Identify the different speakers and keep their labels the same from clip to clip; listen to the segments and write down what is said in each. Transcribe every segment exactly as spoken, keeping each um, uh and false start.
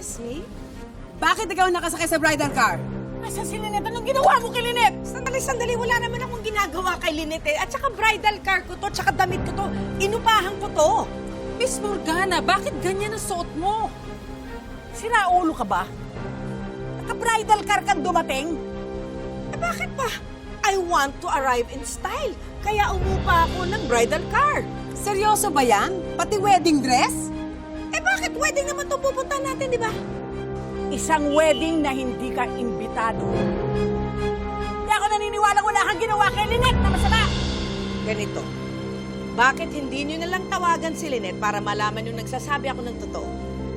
Speaker 1: Lassie? Bakit ikaw nakasakay sa bridal car?
Speaker 2: Asa si Lynette? Anong ginawa mo kay Lynette? Sandali, sandali. Wala naman akong ginagawa kay Lynette eh. At saka bridal car ko to, tsaka damit ko to. Inupahan ko to.
Speaker 1: Miss Morgana, bakit ganyan ang suot mo?
Speaker 2: Sinaulo ka ba? Naka-bridal car kang dumating? Eh bakit pa? I want to arrive in style. Kaya umupa ako ng bridal car.
Speaker 1: Seryoso ba yan? Pati wedding dress?
Speaker 2: Eh bakit wedding naman itong pupunta natin, di ba? Isang wedding na hindi ka imbitado. Hindi ako naniniwala wala kang ginawa kay Lynette na masama. Ganito, bakit hindi nyo nalang tawagan si Lynette para malaman yung nagsasabi ako ng totoo?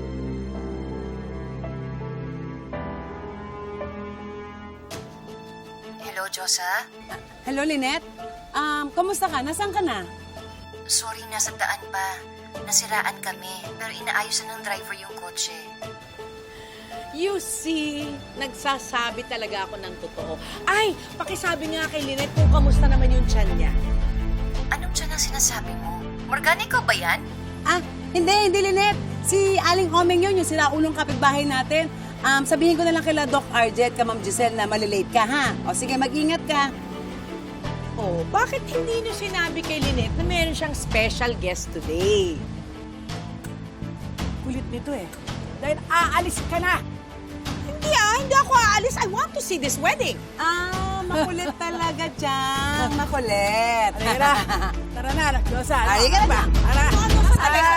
Speaker 3: Hello, Josa?
Speaker 1: Hello, Lynette? Um, kamusta ka? Nasaan ka na?
Speaker 3: Sorry, nasa daan pa. Nasiraan kami, pero inaayos na ng driver yung kotse.
Speaker 2: You see, nagsasabi talaga ako ng totoo. Ay, pakisabi nga kay Lynette kung kamusta naman yung tiyan niya.
Speaker 3: Anong dyan ang sinasabi mo? Morgana, ikaw ba yan?
Speaker 1: Ah, hindi, hindi, Lynette. Si Aling Omeng yun, yung sinaulong kapitbahay natin. Um, sabihin ko na lang kila Doc Arjet, ka Ma'am Giselle, na malilate ka, ha? O sige, mag-ingat ka.
Speaker 2: Oh, bakit hindi niyo sinabi kay Lynette na meron siyang special guest today? Kulit nito eh. Dahil aalis ka na. Hindi ah, hindi ako aalis. I want to see this wedding.
Speaker 1: Ah, makulit talaga dyan. Makulit.
Speaker 2: Tara na. Tara na, Josa.
Speaker 1: Ay, ka na ba?
Speaker 2: Tara.
Speaker 1: Talaga